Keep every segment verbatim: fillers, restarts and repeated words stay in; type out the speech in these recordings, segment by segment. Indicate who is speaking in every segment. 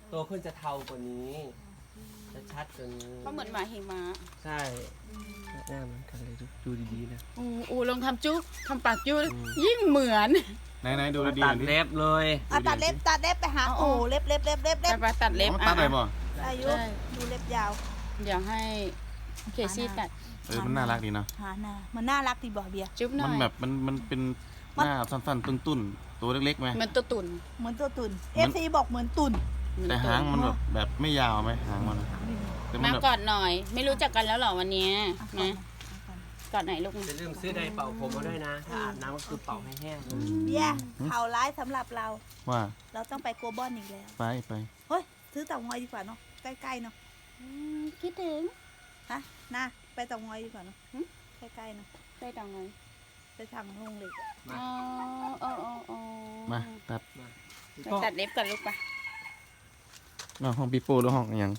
Speaker 1: โตขึ้นจะเทากว่านี้จะชัดกว่านี้
Speaker 2: เขาเหมือนหมาหิมะ
Speaker 1: ใช่หน้ามันกันเลยดูดีๆนะ
Speaker 2: อูอูลองทำจุ๊ทำปากจุ๊ยิ่งเหมือน
Speaker 3: ไหนไหนดูดี
Speaker 1: ตัดเล็บเลย
Speaker 4: เอาตัดเล็บตัดเล็บไปหาโอ้เล็บเล็บเล็บเล็บเล็บ
Speaker 2: ไปตัดเล็บ
Speaker 3: ตัดเลยบ่
Speaker 4: อายุดูเล็บยาว
Speaker 2: เดี๋ยวให้เคซี่ตัด
Speaker 3: เออมันน่ารักดีเนาะ
Speaker 4: หาหน้ามันน่ารักดีบ่เบียร์
Speaker 2: จุ๊บหน่อย
Speaker 3: มันแบบมันมันเป็นหน้าสั้นๆตุ้นๆตัวเล็กๆไหม
Speaker 2: เหมือนตัวตุ่น
Speaker 4: เหมือนตัวตุ่นเอฟซีบอกเหมือนตุ่น
Speaker 3: แต่หางมันแบบแบบไม่ยาวไหมหางมัน
Speaker 2: มากอดหน่อยไม่รู้จักกันแล้วหรอวันนี้นะกอดไหนลูก
Speaker 1: อย่าลืมซื้อไดร์เป่าผมมาด้วยนะถ้าอาบน้ำก็คือเป่าให้แห้ง
Speaker 4: เบียร์ข่าวร้ายสำหรับเรา
Speaker 3: ว่า
Speaker 4: เราต้องไปโกลบอลอีกแล้ว
Speaker 3: ไปไป
Speaker 4: เฮ้ยซื้อเต่างอยดีกว่าเนาะใกล้ๆเนาะ
Speaker 2: คิดถึง
Speaker 4: ฮะน่าไปเต่างอยดีกว่าเนาะใกล้ๆเนาะ
Speaker 2: ไปเต่างอย
Speaker 4: ไปทางลงเหล็ก
Speaker 2: อ๋ออ๋ออ๋อ
Speaker 3: มาตัด
Speaker 2: ตัดเล็บกันลูกปะ
Speaker 3: น้องห้องปีโป้หรือห้องยัง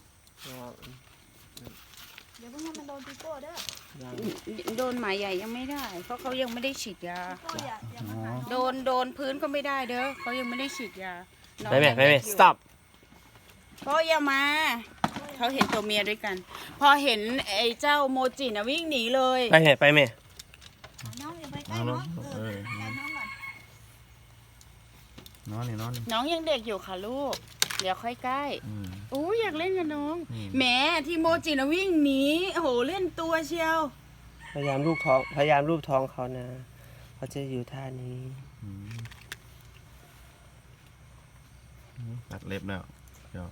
Speaker 4: เดี๋ยวพวกมันโดนปีโป้เด้อ
Speaker 2: โดนหมาใหญ่ยังไม่ได้เพราะเขายังไม่ได้ฉีดยาโดนโดนพื้นก็ไม่ได้เด้อเขายังไม่ได้ฉีดยา
Speaker 1: ไม่ไม่ไม่ไม่ stop
Speaker 2: เพราะอย่ามาเขาเห็นตัวเมียด้วยกันพอเห็นไอ้เจ้าโมจินะวิ่งหนีเลย
Speaker 1: ไปไหนไปไหม
Speaker 4: น้องอย่าไปใกล้น้องเออใกล้น้องก่อน
Speaker 3: น้องนี่น้อง
Speaker 2: น้องยังเด็กอยู่ค่ะลูกเดี๋ยวค่อยใกล้อู้อยากเล่นกับน้องแหมที่โมจินะวิ่งหนีโอ้โหเล่นตัวเชียว
Speaker 1: พยายามรูปท้องพยายามรูปท้องเขานะเขาจะอยู่ท่านี้
Speaker 3: ตัดเล็บแล้วเดี๋ยว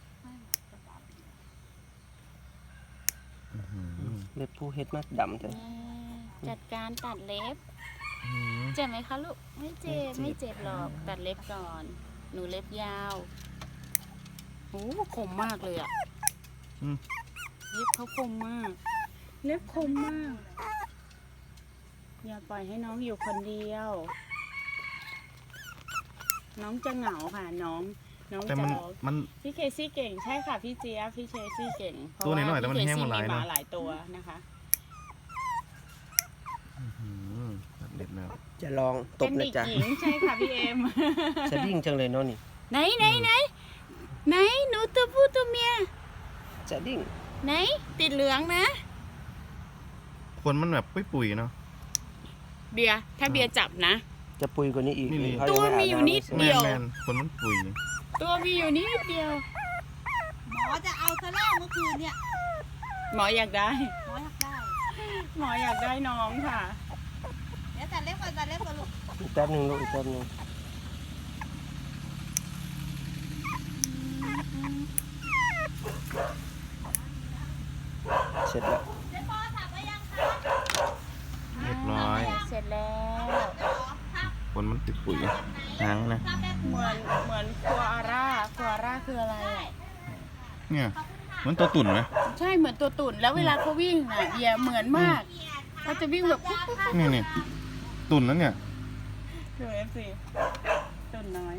Speaker 1: เล็บผู้เฮ็ดมากดำเลย
Speaker 2: จัดการตัดเล็บเจ็บไหมคะลูกไม่เจ็บไม่เจ็บหรอกตัดเล็บก่อนหนูเล็บยาวโอ้คมมากเลยอ่ะเล็บเขาคมมากเล็บคมมากอย่าปล่อยให้น้องอยู่คนเดียวน้องจะเหงาค่ะน้องน้องจะ
Speaker 3: มัน
Speaker 2: พี่เคซี่เก่งใช่ค่ะพี่เจี๊ยบพี่เคซี่เก่ง
Speaker 3: ตัวนี้หน่อยแต่มันแห้งหมดหลาย
Speaker 2: นะหลายตัวนะคะ
Speaker 3: เด็ดแล้ว
Speaker 1: จะลองตบนะจ๊ะ
Speaker 2: ใช่ค่ะพี่เอ็ม
Speaker 1: จะดิ้งจังเลยเนาะนี่
Speaker 2: ไหนไหนไหนไหนหนูตัวผู้ตัวเมีย
Speaker 1: จะดิ้ง
Speaker 2: ไหนติดเหลืองนะ
Speaker 3: คนมันแบบปุยๆเนาะ
Speaker 2: เบียร์ถ้าเบียร์จับนะ
Speaker 1: จะปุยกว่านี้อีก
Speaker 2: ตัวมีอยู่นิดเดียว
Speaker 3: คนมันปุย
Speaker 2: ตัวมีอยู่นิดเดียว
Speaker 4: หมอจะเอาซะแล้วเมื่อคืนเนี่ย
Speaker 2: หมออยากได้
Speaker 4: หมออยากได้
Speaker 2: หมออยากได้น้องค่ะ
Speaker 4: เดี๋ยวตัดเล็บก่อนตัดเล็บก่อนลูก
Speaker 1: อีกแป๊บนึงลูกอีกแป๊บนึงเสร็จแล้ว
Speaker 3: เรียบร้อย
Speaker 2: เสร็จแล้ว
Speaker 3: คนมันติดปุ๋ยหางนะ
Speaker 2: เหมือนเหมือนคัวอาร่าคัวอาร่าคืออะไรอ่ะ
Speaker 3: เนี่ยเหมือนตัวตุ่นไหม
Speaker 2: ใช่เหมือนตัวตุ่นแล้วเวลาเขาวิ่งน่ะเบียเหมือนมากเขาจะวิ่งแบบ
Speaker 3: นี่นี่ตุ่นแล้วเนี่ย
Speaker 2: ดูเอฟซีตุ่นน้อย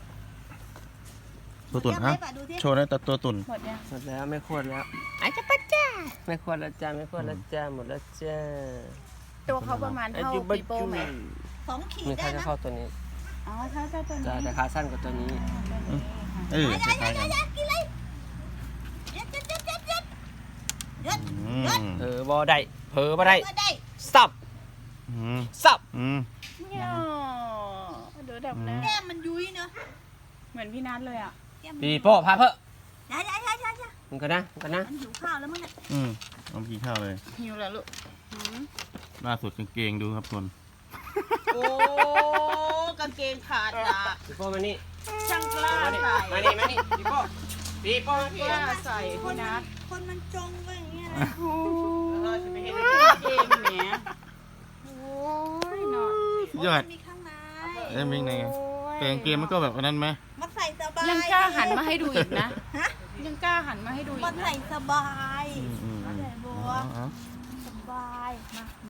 Speaker 3: ตัวตุ่นฮะโชว์ได้แต่ตัวตุ่น
Speaker 2: หมดยัง
Speaker 1: หมดแล้วไม่ควรแล้ว
Speaker 2: ไอ้จะปัจจ้า
Speaker 1: ไม่ควรแล้วจ้าไม่ควรแล้วจ้าหมดแล้วจ้า
Speaker 2: ตัวเขาประมาณเท่าปีโป้ไหม
Speaker 4: สองขีด
Speaker 1: ได้นะเข้าตัวนี้
Speaker 2: อ๋อเท่าเท่าตัวนี้
Speaker 1: แต่ขาสั้นกว่าตัวนี้
Speaker 3: เออใช่ใช่
Speaker 4: กินเลยยัดยัดยัดยัดยัดยัดยัด
Speaker 1: เออบอได้เผลอบ่ได้สับสับ
Speaker 2: เนี่ยดูแบบนั้น
Speaker 4: แก้มมันยุ้ยเนาะ
Speaker 2: เหมือนพี่นัทเลยอ่ะ
Speaker 1: ปีโป้พาเพิ่ม
Speaker 4: ย้ายย้ายย้ายย้าย
Speaker 1: มึงกันนะมึงกันนะ
Speaker 4: มันหิวข้าวแล้วมั้งเนี่ย
Speaker 3: อืมเอากินข้าวเลย
Speaker 2: หิวแล้วลูก
Speaker 3: ล่าสุดกางเกงดูครับทุน
Speaker 2: โอ้กางเกงขาดอ่ะ
Speaker 1: ปีโป้มานี่
Speaker 2: ช่างกล้าใส่
Speaker 1: มานี่มานี่ปีโป้ปีโป้
Speaker 2: กล้าใส่พี่นัท
Speaker 4: คนมันจงไปอย่างเงี้ยนะ
Speaker 2: โอ้ยจะไปเห็นเกงเนี้ยโอ้ยเนาะ
Speaker 3: ยอด
Speaker 4: มีข้างใน
Speaker 3: เอ้ยมีไงแต่กางเกงมันก็แบบนั้นไหม
Speaker 4: มันใส่สบาย
Speaker 2: ยังกล้าหันมาให้ดูอีกนะยังกล้าหันมาให้ดูอีก
Speaker 4: มันใส่สบาย
Speaker 3: อืม
Speaker 4: สบายมา